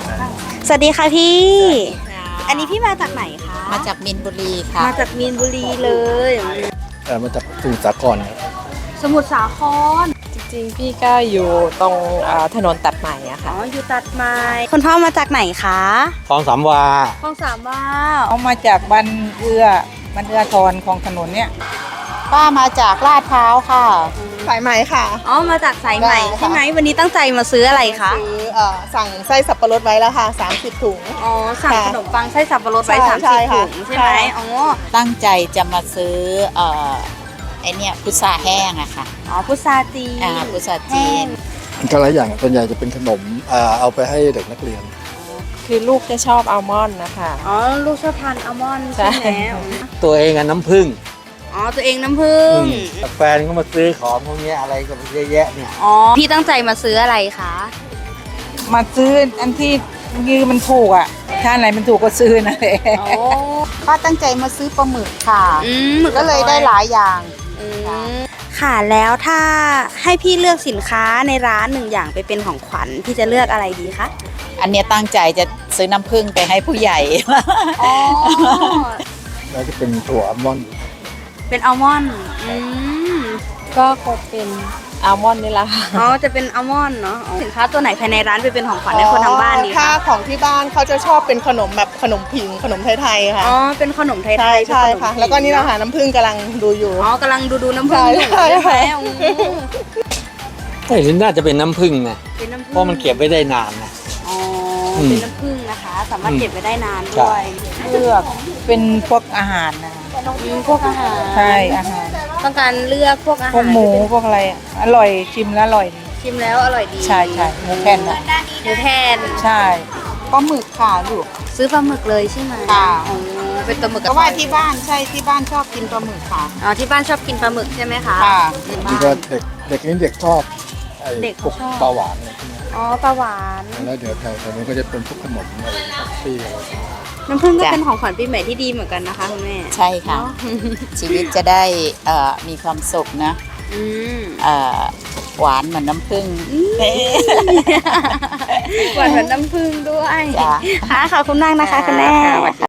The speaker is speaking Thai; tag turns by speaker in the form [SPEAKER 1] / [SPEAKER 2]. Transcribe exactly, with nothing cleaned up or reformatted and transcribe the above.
[SPEAKER 1] สวัสดีค่ะพี่ อันนี้พี่มาจากไหนคะ
[SPEAKER 2] มาจากมีนบุรีค่ะ
[SPEAKER 1] มาจากมีนบุรีเลย
[SPEAKER 3] เอ่อมาจากสมุทรสาครครับ
[SPEAKER 1] สมุทรสาคร
[SPEAKER 4] จริงๆ พี่ก็อยู่ตรงเอ่อถนนตัดใหม่อะ
[SPEAKER 1] อ๋
[SPEAKER 4] ค่ะ
[SPEAKER 1] ออยู่ตัดไม้คุณพ่อมาจากไหนคะ
[SPEAKER 3] คลองสามวา
[SPEAKER 1] คลองสามวา
[SPEAKER 5] เอามาจากบันเอือบันเอือทอนของถนนเนี่ย
[SPEAKER 2] ป้ามาจากลาดพร้าวค่ะ
[SPEAKER 6] สายไหมค่ะ
[SPEAKER 1] อ๋อมาจากสายใหม่
[SPEAKER 6] ได้ค่ะ
[SPEAKER 1] ใช่ไหมวันนี้ตั้งใจมาซื้ออะไรคะ
[SPEAKER 6] ซื้อเอ่อสั่งไส้สับปะรดไว้แล้วค่ะสามสิบถุง
[SPEAKER 1] อ๋อสั่ง
[SPEAKER 6] ค่ะ
[SPEAKER 1] ขนมปังไส้สับปะรดไว้
[SPEAKER 6] ใช่
[SPEAKER 1] สาม
[SPEAKER 6] ใช่
[SPEAKER 1] สิบ
[SPEAKER 6] ค่ะ
[SPEAKER 1] ถุงใช่ไหม
[SPEAKER 6] ใช่
[SPEAKER 1] อ๋อ
[SPEAKER 2] ตั้งใจจะมาซื้อเอ่อไอเนี่ยพุทราแห้งอะค่ะ
[SPEAKER 1] อ๋อพุทราจีน
[SPEAKER 2] อ่าพุทราจีน
[SPEAKER 3] ก็หลายอย่างส่วนใหญ่จะเป็นขนมอ่าเอาไปให้เด็กนักเรียน
[SPEAKER 4] คือลูกจะชอบอัลมอนด์นะคะ
[SPEAKER 1] อ๋อลูกชอบทานอัลมอนด์ใช่ไหม
[SPEAKER 4] ใช่
[SPEAKER 3] ตัวเองอะน้ำผึ้ง
[SPEAKER 1] อ๋อตัวเองน้ำผึ้ง
[SPEAKER 3] แฟนก็มาซื้อของพวกเนี้ยอะไรก็เยอะแยะเนี่ย
[SPEAKER 1] อ๋อพี่ตั้งใจมาซื้ออะไรคะ
[SPEAKER 5] มาซื้ออันที่ยือมันถูกอ่ะ ถ้าไหนมันถูกก็ซื้อนั่นแหละ
[SPEAKER 1] อ๋อ
[SPEAKER 2] ป้าตั้งใจมาซื้อปลาหมึกค่ะ
[SPEAKER 1] อืมหมึ
[SPEAKER 2] ก็เลยได้หลายอย่าง
[SPEAKER 1] อืมค่ะแล้วถ้าให้พี่เลือกสินค้าในร้านหนึ่งอย่างไปเป็นของขวัญพี่จะเลือกอะไรดีคะ
[SPEAKER 2] อันเนี้ยตั้งใจจะซื้อน้ำผึ้งไปให้ผู้ใหญ่
[SPEAKER 1] อ๋อ
[SPEAKER 3] แล้วจะเป็นถั่วอัลมอนด์
[SPEAKER 1] เป็นอัลมอนด์อืม
[SPEAKER 4] ก็คงเป็นอัลมอนด์นี่แหละค่ะ
[SPEAKER 1] อ๋อจะเป็นอัลมอนด์เนาะอ๋อสินค้าตัวไหนภายในร้านไปเป็นของขวัญให้คนทางบ้านดี
[SPEAKER 6] ถ้า
[SPEAKER 1] คะ
[SPEAKER 6] ของที่บ้านเขาจะชอบเป็นขนมแบบขนมผิงขนมไทยๆค่ะ
[SPEAKER 1] อ๋อเป็นขนมไทยๆ
[SPEAKER 6] ใช่ใช่
[SPEAKER 1] เป็นขนม
[SPEAKER 6] ค่ะ
[SPEAKER 1] จี
[SPEAKER 6] แล้วก็นี่เราหาน้ำผึ้งกำลังดูอยู่
[SPEAKER 1] อ๋อกำลังดูดูน้ำผึ้งอยู่
[SPEAKER 6] ใช่
[SPEAKER 1] ใช่ไหม
[SPEAKER 6] ใช่
[SPEAKER 1] อืม
[SPEAKER 3] ไอ้นี่น่าจะเป็นน้ำผึ้งนะ
[SPEAKER 1] เป็นน้ำผึ้ง
[SPEAKER 3] เพราะมันเก็บไว้ได้นานนะ
[SPEAKER 1] อ๋อ
[SPEAKER 3] อืม
[SPEAKER 1] เป็นน้ำผึ้งนะคะ สามารถ
[SPEAKER 3] อืม
[SPEAKER 1] เก็บไว้ได้นาน
[SPEAKER 3] ใช่
[SPEAKER 1] ด้วย
[SPEAKER 5] เลือกเป็นพวกอาหารนะ
[SPEAKER 1] อืมพวกอาหาร
[SPEAKER 5] ใช่อาหาร
[SPEAKER 1] ต้องการเลือกพวกอาหาร
[SPEAKER 5] พวกหมูพวกอะไรอะอร่อยชิมแล้วอร่อยดี
[SPEAKER 1] ชิมแล้วอร่อยดี
[SPEAKER 5] ใช่ใช่หมูแผ่นอ่ะ
[SPEAKER 1] หมูแผ่น
[SPEAKER 5] ใช่ปลาหมึกค่ะลูก
[SPEAKER 1] ซื้อปลาหมึกเลยใช่ไหม
[SPEAKER 5] ค่ะ
[SPEAKER 1] อ๋อเป็นปลาหมึก
[SPEAKER 5] เพราะว่าที่บ้านใช่ที่บ้านชอบกินปลาหมึกค่ะ
[SPEAKER 1] อ๋อที่บ้านชอบกินปลาหมึกใช่ไหมคะ
[SPEAKER 5] ค่ะ
[SPEAKER 3] นี่ก็เด็กเด็กนี่เด็กชอบไอ้
[SPEAKER 1] เด็ก
[SPEAKER 3] พวก
[SPEAKER 1] ชอบ
[SPEAKER 3] ปลาหวานอะไรพวกเนี้ย
[SPEAKER 1] อ๋อปลาหวาน
[SPEAKER 3] แล้วเดี๋ยวแถวแถวนี้ก็จะเป็นพวกขนมอะไรท็อฟฟี่อะไรพวกเนี้ย
[SPEAKER 1] น้ำผึ้งก็
[SPEAKER 2] จ้ะ
[SPEAKER 1] เป็นของขวัญปีใหม่ที่ดีเหมือนกันนะคะคุณแม่
[SPEAKER 2] ใช่ค่ะ
[SPEAKER 1] เนาะ
[SPEAKER 2] ชีวิตจะได้เอ่อมีความสุขนะ
[SPEAKER 1] อืม
[SPEAKER 2] เอ่อหวานเหมือนน้ำผึ้ง
[SPEAKER 1] หวานเหมือนน้ำผึ้งด้วย
[SPEAKER 2] จ้ะ
[SPEAKER 1] ค่ะขอบคุณมากนะคะคุณแม่